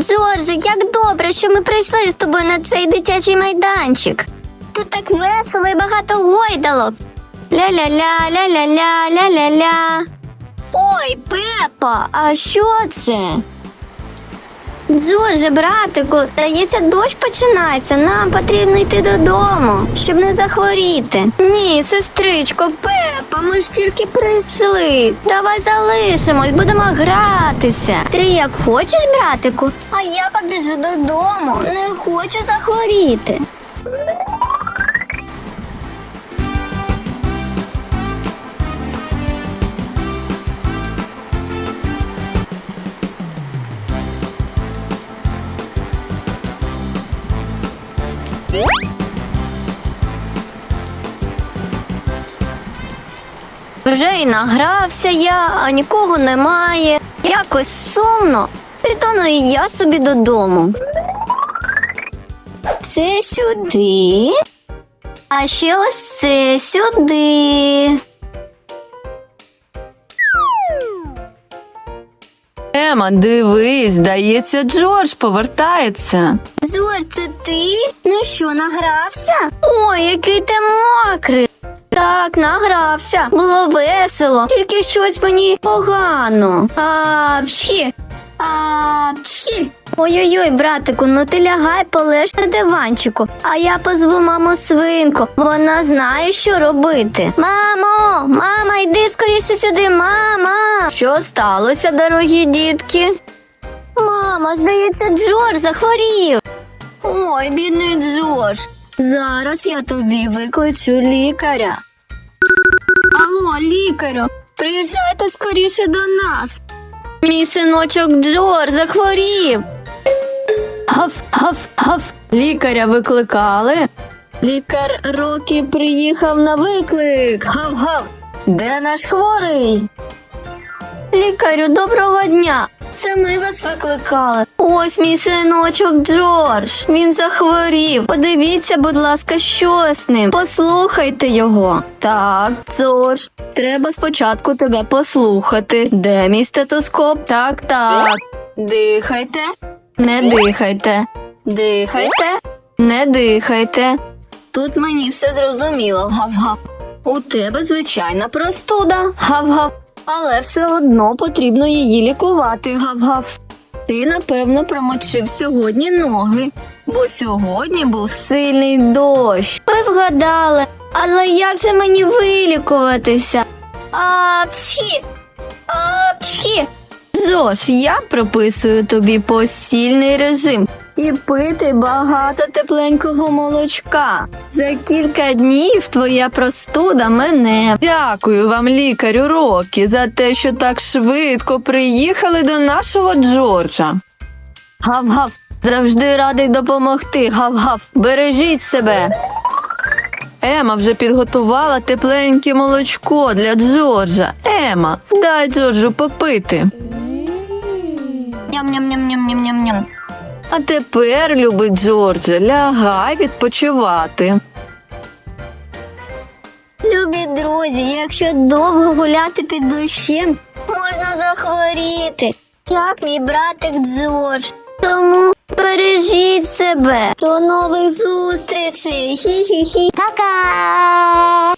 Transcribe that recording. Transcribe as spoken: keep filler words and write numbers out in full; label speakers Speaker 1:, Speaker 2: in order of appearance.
Speaker 1: Джордже, як добре, що ми прийшли з тобою на цей дитячий майданчик. Тут так весело і багато гойдалок. Ля-ля-ля, ля-ля-ля, ля-ля-ля. Ой, Пепа, а що це? Джордже, братику, здається, дощ починається. Нам потрібно йти додому, щоб не захворіти. Ні, сестричко, Пепа, ми ж тільки прийшли. Давай залишимось, будемо гратися. Ти як хочеш, братику? А я побіжу додому, не хочу захворіти. Вже й награвся я, а нікого немає. Якось сумно. Притону і я собі додому. Це сюди. А ще ось це сюди.
Speaker 2: Ема, дивись, здається, Джордж повертається.
Speaker 1: Джордж, це ти? Ну що, награвся? Ой, який ти мокрий. Так, награвся. Було весело. Тільки щось мені погано. А, пші. А, пші. Ой-ой-ой, братику, ну ти лягай, полеж на диванчику. А я позву маму свинку. Вона знає, що робити. Мамо, мама, йди скоріше сюди, мама. Що сталося, дорогі дітки? Мама, здається, Джордж захворів. Ой, бідний Джордж. Зараз я тобі викличу лікаря. Алло, лікарю, приїжджайте скоріше до нас. Мій синочок Джордж захворів.
Speaker 2: Гав, гав, гав. Лікаря викликали?
Speaker 1: Лікар Рокі приїхав на виклик. Гав-гав. Де наш хворий? Лікарю, доброго дня. Це ми вас викликали. Ось мій синочок Джордж. Він захворів. Подивіться, будь ласка, що з ним. Послухайте його.
Speaker 2: Так, Джордж, треба спочатку тебе послухати. Де мій стетоскоп? Так, так.
Speaker 1: Дихайте.
Speaker 2: Не дихайте.
Speaker 1: Дихайте.
Speaker 2: Не дихайте.
Speaker 1: Тут мені все зрозуміло. Гав-гав. У тебе звичайна простуда.
Speaker 2: Гав-гав.
Speaker 1: Але все одно потрібно її лікувати, гав-гав. Ти, напевно, промочив сьогодні ноги, бо сьогодні був сильний дощ. Ви вгадали, але як же мені вилікуватися? Апчхі! Апчхі!
Speaker 2: Джош, я прописую тобі постільний режим і пити багато тепленького молочка. За кілька днів твоя простуда мине. Дякую вам, лікарю Рокі, за те, що так швидко приїхали до нашого Джорджа. Гав-гав, завжди радий допомогти. Гав-гав, бережіть себе. Ема вже підготувала тепленьке молочко для Джорджа. Ема, дай Джорджу попити.
Speaker 1: Ням-ням-ням-ням-ням-ням.
Speaker 2: А тепер, любий Джордже, лягай відпочивати.
Speaker 1: Любі друзі, якщо довго гуляти під дощем, можна захворіти, як мій братик Джордж. Тому бережіть себе. До нових зустрічей. Хі-хі-хі. Пока!